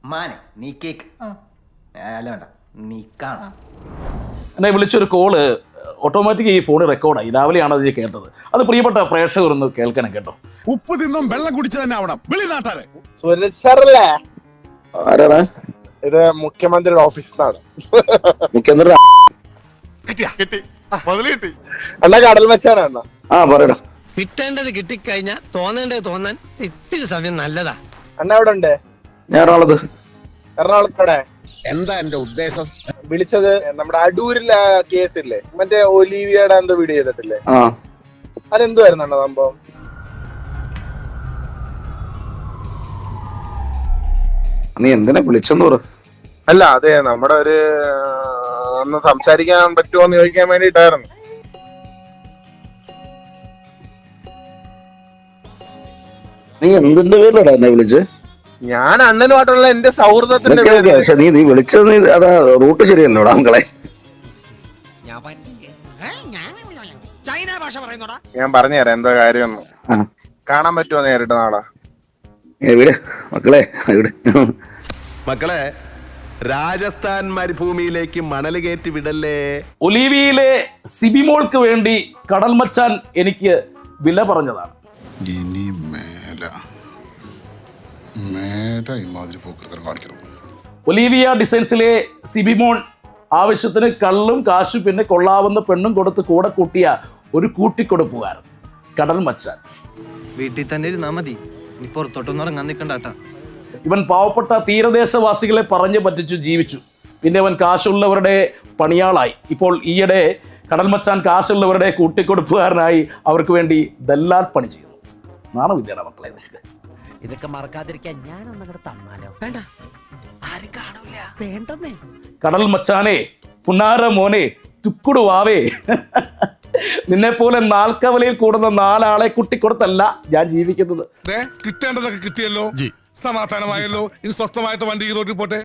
മാനെ നീ കേക്ക് അല്ല വേണ്ട നീ കാണാം. എന്നെ വിളിച്ചൊരു കോള് ഓട്ടോമാറ്റിക് ഈ ഫോൺ റെക്കോർഡായി. രാവിലെയാണ് അത് കേട്ടത്. അത് പ്രിയപ്പെട്ട പ്രേക്ഷകർ ഒന്ന് കേൾക്കണം കേട്ടോ. ഉപ്പ് തിന്നും വെള്ളം കുടിച്ചു തന്നെ ആവണം. വെളിനാട്ടാരെ സുരേഷല്ലേ ഇത് മുഖ്യമന്ത്രിയുടെ ഓഫീസിലാണ്. മുഖ്യമന്ത്രി അണ്ണ കടൽ മച്ചാനാണ്. കിട്ടേണ്ടത് കിട്ടിക്കഴിഞ്ഞാ തോന്നേണ്ടത് തോന്നാൻ ഇത്തിരി സമയം നല്ലതാ. അണ്ണ എവിടെ ഉണ്ട്? ഞാൻ എറണാകുളത്തോടെ. എന്താ എന്റെ ഉദ്ദേശം? വിളിച്ചത് നമ്മുടെ അടൂരിലെ കേസില്ലേ, മറ്റേ ഒലീവിയയുടെ എന്തോ വീഡിയോ ചെയ്തിട്ടില്ലേ, അതെന്തുവായിരുന്നു അണ്ണ സംഭവം? നീ എന്തിനാ വിളിച്ചെന്ന് പറ. അല്ല അതെ, നമ്മുടെ ഒരു ഒന്ന് സംസാരിക്കാൻ പറ്റുമോ എന്ന് ചോദിക്കാൻ വേണ്ടിട്ടായിരുന്നു. നീ എന്തിന്റെ പേരിലടാ എന്നെ വിളിച്ച്? ഞാൻ അണ്ണനുമായിട്ടുള്ള എന്റെ സൗഹൃദത്തിന്റെ പക്ഷെ നീ വിളിച്ചത് അതാ റൂട്ട് ശരിയല്ലോടാ മക്കളെ. ഞാൻ പറഞ്ഞുതരാം എന്താ കാര്യം. കാണാൻ പറ്റുമോ നേരിട്ട് നാളെ? എവിടെ മക്കളെ? എവിടെ മക്കളെ, രാജസ്ഥാൻ മരുഭൂമിയിലേക്ക് മണൽ കയറ്റി വിടല്ലേ. ഒലീവിയയിലെ സിബിമോൾക്ക് വേണ്ടി കടൽ മച്ചാൻ എനിക്ക് വില പറഞ്ഞതാണ്. ഇനി മേല ഇമാതിരി പോക്കൃതം കാണിക്കണം. ഒലീവിയ ഡിസൈൻസിലെ സിബിമോൺ ആവശ്യത്തിന് കള്ളും കാശും പിന്നെ കൊള്ളാവുന്ന പെണ്ണും കൊടുത്ത് കൂടെ കൂട്ടിയ ഒരു കൂട്ടിക്കൊടുപ്പുകാരൻ കടൽ മച്ചാൻ. വീട്ടിൽ തന്നെ ഇരുന്നാ മതി, ഇനി പുറത്തോട്ടൊന്നും ഇറങ്ങാൻ നിൽക്കണ്ടാട്ടാ. ഇവൻ പാവപ്പെട്ട തീരദേശവാസികളെ പറഞ്ഞു പറ്റിച്ചു ജീവിച്ചു. പിന്നെ അവൻ കാശുള്ളവരുടെ പണിയാളായി. ഇപ്പോൾ ഈയിടെ കടൽ മച്ചാൻ കാശുള്ളവരുടെ കൂട്ടിക്കൊടുപ്പുകാരനായി അവർക്ക് വേണ്ടി ദല്ലാൽ പണി ചെയ്യുന്നു. നാണമില്ലാണ് മക്കളെ നിനക്ക്? ഇതൊക്കെ മറക്കാതിരിക്കാൻ ഞാനൊന്നങ്ങോട്ട് തന്നാലോ? വേണ്ട, ആരും കാണൂല. വേണ്ടെന്നേ. കടൽ മച്ചാനെ, പുന്നാര മോനെ, തുക്കുടുവാവേ, നിന്നെ പോലെ നാൽക്കവലയിൽ കൂടുന്ന 4 ആളെ കുട്ടിക്കൊടുത്തല്ല ഞാൻ ജീവിക്കുന്നത്. കിട്ടേണ്ടതൊക്കെ കിട്ടിയല്ലോ, സമാധാനമായല്ലോ. ഇനി സ്വസ്ഥമായിട്ട് വണ്ടി ഈ റോഡിൽ പോട്ടെ.